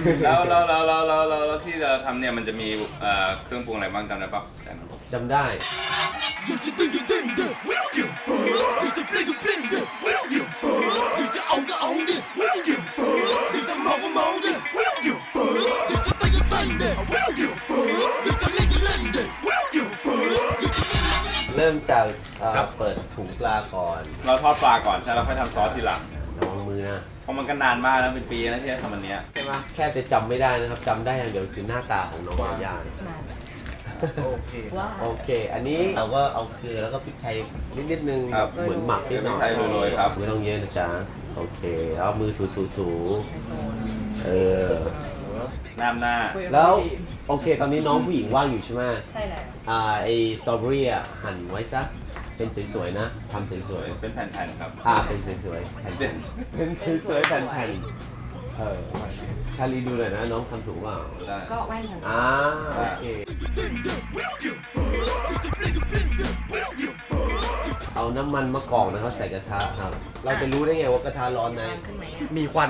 แล้วที่เราทำเนี่ยมันจะมีเครื่องปรุงอะไรบ้างจำได้ปะจำได้เริ่มจากเปิดถุงปลาก่อนเราทอดปลาก่อนใช่แล้วค่อยทำซอสทีหลังระวังมือนะเพราะมันก็นานมากแล้วเป็นปีแล้วที่จะทำอันนี้ใช่ไหมแค่จะจำไม่ได้นะครับจำได้อย่างเดียวคือหน้าตาของน้องยาย่าโอเคโอเคอันนี้เราก็เอาเกลือแล้วก็พริกไทยนิดนึงเหมือนหมักนิดหน่อยโรยครับไม่ต้องเยอะนะจ๊ะโอเคแล้วมือถูหน้าแล้วโอเคตอนนี้น้องผู้หญิงว่างอยู่ใช่ไหมใช่แล้วไอสตรอเบอรี่หั่นไว้ซะเป็นสวยๆนะทำสวยๆเป็นแผ่นๆครับเป็นสวยๆเป็นสวยๆแผ่นๆชาลีดูเลยนะน้องทำถูกเปล่าก็แว่นของโอเคเอาน้ำมันมะกอกนะครับใส่กระทะครับเราจะรู้ได้ไงว่ากระทะร้อนไหมมีควัน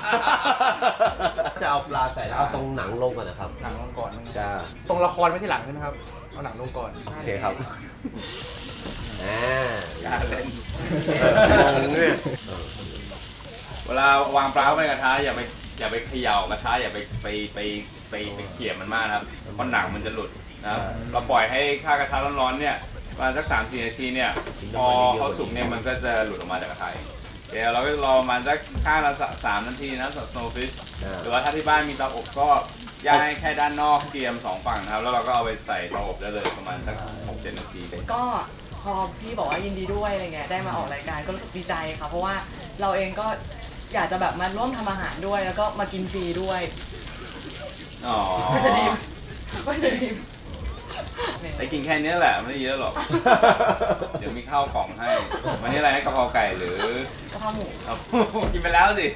จะเอาปลาใส่แล้วเอาตรงหนังลงก่อนนะครับหนังลงก่อนจ้าตรงละครไม่ที่หลังใช่ไหมครับเอาหนังลงก่อนโอเคครับการเล่นเนี่ยเวลาวางปลาเข้าไปกระทะอย่าไปเขย่ากระทะอย่าไปเขี่ยมันมากนะครับเพราะหนังมันจะหลุดนะครับเราปล่อยให้ข้าวกระทะร้อนๆเนี่ยประมาณสัก 3-4 นาทีเนี่ยพอเขาสุกเนี่ยมันก็จะหลุดออกมาจากกระทะเดี๋ยวเราก็รอประมาณสักข้างละ3 นาทีนะสำหรับ snowfish หรือว่าถ้าที่บ้านมีเตาอบก็ย่างให้แค่ด้านนอกเตรียม2ฝั่งนะครับแล้วเราก็เอาไปใส่เตาอบได้เลยประมาณสัก 6-7 นาทีก็พอพี่บอกว่ายินดีด้วยอะไรเงี้ยได้มาออกรายการก็รู้สึกดีใจค่ะเพราะว่าเราเองก็อยากจะแบบมาร่วมทำอาหารด้วยแล้วก็มากินฟรีด้วยไม่จะดีแต่กินแค่นี้แหละไม่เยอะหรอกเดี๋ยวมีข้าวกล่องให้วันนี้อะไรให้กะเพราไก่หรือกะเพราหมูกินไปแล้วสิ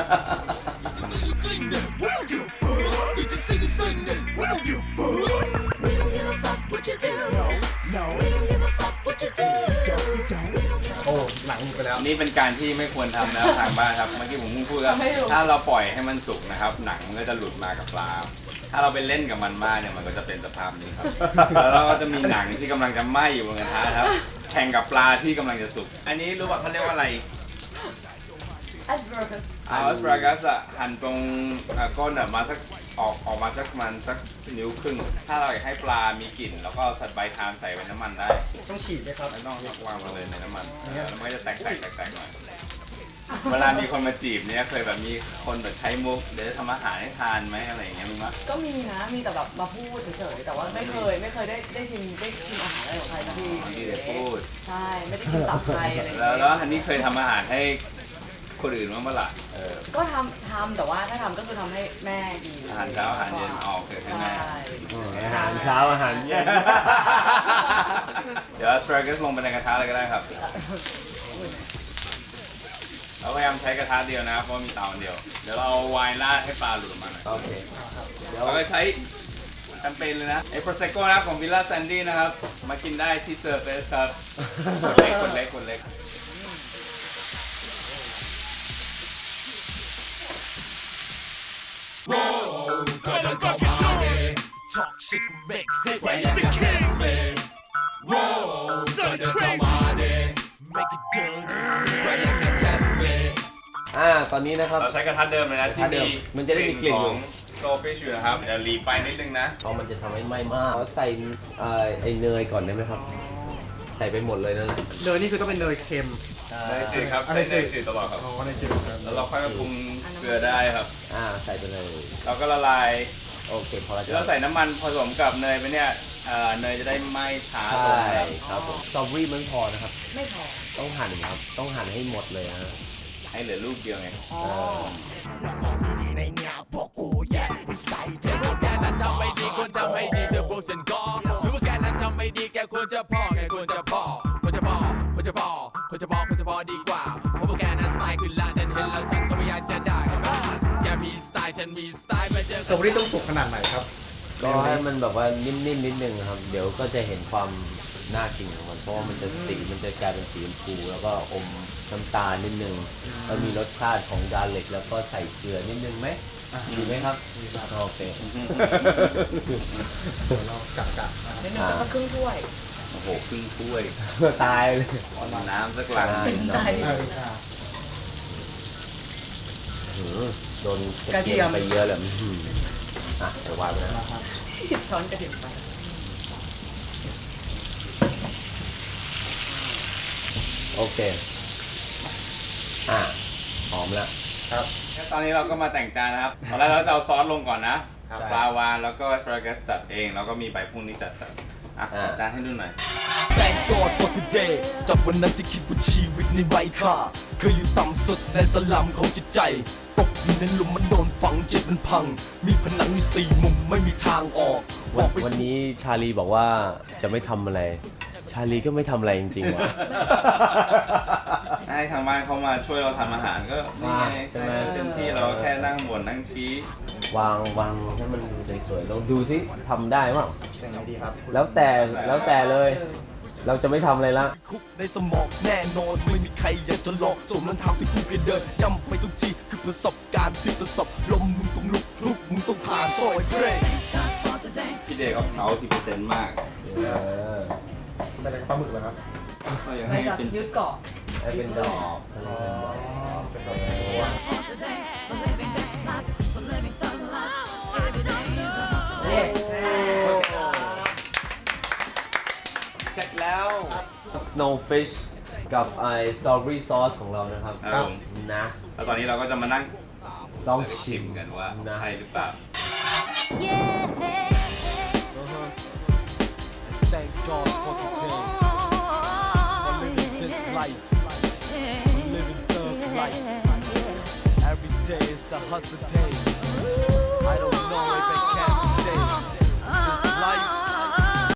โอ้หนังไปแล้วนี่เป็นการที่ไม่ควรทำนะทางบ้านครับเมื่อกี้ผมพูดแล้วถ้าเราปล่อยให้มันสุกนะครับหนังมันก็จะหลุดมากับปลาถ้าเราไปเล่นกับมันมากเนี่ยมันก็จะเป็นสภาพนี้ครับแล้วเราก็จะมีหนังที่กำลังจะไหม้อยู่บนกระทะครับแข่งกับปลาที่กำลังจะสุกอันนี้รู้ว่าเขาเรียกว่าอะไรอัสปรากัสหั่นตรงก้นมาสักออกมาสักมันสักนิ้วครึ่งถ้าเราอยากให้ปลามีกลิ่นแล้วก็ใส่ใบทามใส่ไว้น้ำมันได้ต้องฉีดไหมครับไม่ต้องวางมาเลยในน้ำมันแล้วมันก็จะแตกหน่อยเวลามีคนมาจีบเนี่ยเคยแบบมีคนแบบใช้มุกเดี๋ยวจะทำอาหารให้ทานไหมอะไรอย่างเงี้ยมีมั้ยก็มีนะมีแต่แบบมาพูดเฉยๆแต่ว่าไม่เคยได้ชิมอาหารอะไรของใครสักทีมีแต่พูดใช่ไม่ได้กินตับใครอะไรแล้วอันนี้เคยทำอาหาให้คนอื่นบ้างเมื่อไหร่ก็ทำแต่ว่าถ้าทำก็คือทำให้แม่ดีอาหารเช้าอาหารเย็นเคยให้แม่อาหารเช้าอาหารเย็นเดี๋ยวสเปรย์ก็ลงไปในกระทะเลยก็ได้ครับเราพยายามใช้กระทะเดียวนะครับเพราะมีเตาเดียวเดี๋ยวเราเอาไวน์ราดให้ปลาหลุดออกมาหน่อยโอเคเราก็ใช้แคมเปญเลยนะไอ้โปรเซโก้นะของวิลล่าแซนดี้นะครับมากินได้ที่เซอร์เฟสครับคนเล็กตอนนี้นะครับเราใช้กระทะเดิมเลยนะที่มันจะได้มีกลิ่นของโซฟิชอยู่นะครับเดี๋ยวรีไฟนิดนึงนะเพราะมันจะทำให้ไหม้มากใส่ไอเนยก่อนได้ไหมครับใส่ไปหมดเลยนั่นแหละเนยนี่คือต้องเป็นเนยเค็มเนยจืดครับเนยจืดตลอดครับเนยจืดแล้วเราค่อยมาปรุงเกลือได้ครับใส่ไปเลยเราก็ละลายโอเคพอแล้วเราใส่น้ำมันผสมกับเนยไปเนี่ยเนยจะได้ไหม้ช้าลงครับผมสตรอเบอรี่มันพอนะครับไม่พอต้องหั่นครับต้องหั่นให้หมดเลยฮะให้เหลือลูกเดียวไงสตรอเบอรี่ต้องสุกขนาดไหนครับก็ให้มันแบบว่านิ่มๆนิดนึงครับเดี๋ยวก็จะเห็นความน่ากินของมันเพราะว่ามันจะสีมันจะกลายเป็นสีชมพูแล้วก็อมน้ำตาลนิดนึงแล้วมีรสชาติของกาลิกแล้วก็ใส่เกลือนิดนึงไหมดีไหมครับโอเคเรากะนิดนึงสักครึ่งถ้วยโอ้โหครึ่งถ้วยตายเลยเอาน้ำสักหลังใช่โดนกระเทียมไปเยอะเลยอ่ะเดี๋ยววางไปนะ 10 ช้อนกระเทียมไปโอเคหอมแล้วครับตอนนี้เราก็มาแต่งจานนะครับตอนแรกเราจะเอาซอสลงก่อนนะครับปลาวานแล้วก็สปาเกตจัดเองแล้วก็มีใบพรุ่งนี้จัดจัดจานให้ดูหน่อย Thank God for today จากวันนั้นที่คิดว่าชีวิตนี้ไร้ค่าเคยอยู่ต่ำสุดในสลัมของจิตใจตกอยู่ในหลุมมันโดนฝังจิตมันพัง มีผนังอยู่4 มุมไม่มีทางออกบอกไปวันนี้ชาลีบอกว่าจะไม่ทำอะไร ชาลีก็ไม่ทำอะไรจริงๆว่ะให้ทางบ้านเขามาช่วยเราทำอาหารก็นี่ไงใช่ไหมเต็มที่เราแค่นั่งบ่นนั่งชี้วางให้มันสวยๆลองดูซิทำได้เปล่ายังไงดีครับแล้วแต่เลย เราจะไม่ทำอะไรละคุกในสมองแน่นอนไม่มีใครอยากจะหลอกสมรองเท้าที่กูเคยเดินย่ำไปทุกทีคือประสบการณ์ที่ประสบลมมึงต้องลุกมึงต้องผ่านซอยเพลงพี่เดย์เขาเขา10%มากเป็นอะไรปลาหมึกเหรอครับเขาอยากไม่ให้จะเป็นยืดเกาะให้เป็นดอกเป็นแบบตัวนี่เสร็จแล้ว snowfish กับstrawberry sauce ของเรานะครับครับผมนะแล้วตอนนี้เราก็จะมานั่งลองชิชิมมกันว่านะใช่หรือเปล่า Thank God for today for living this life for living thug life every day is a hustle day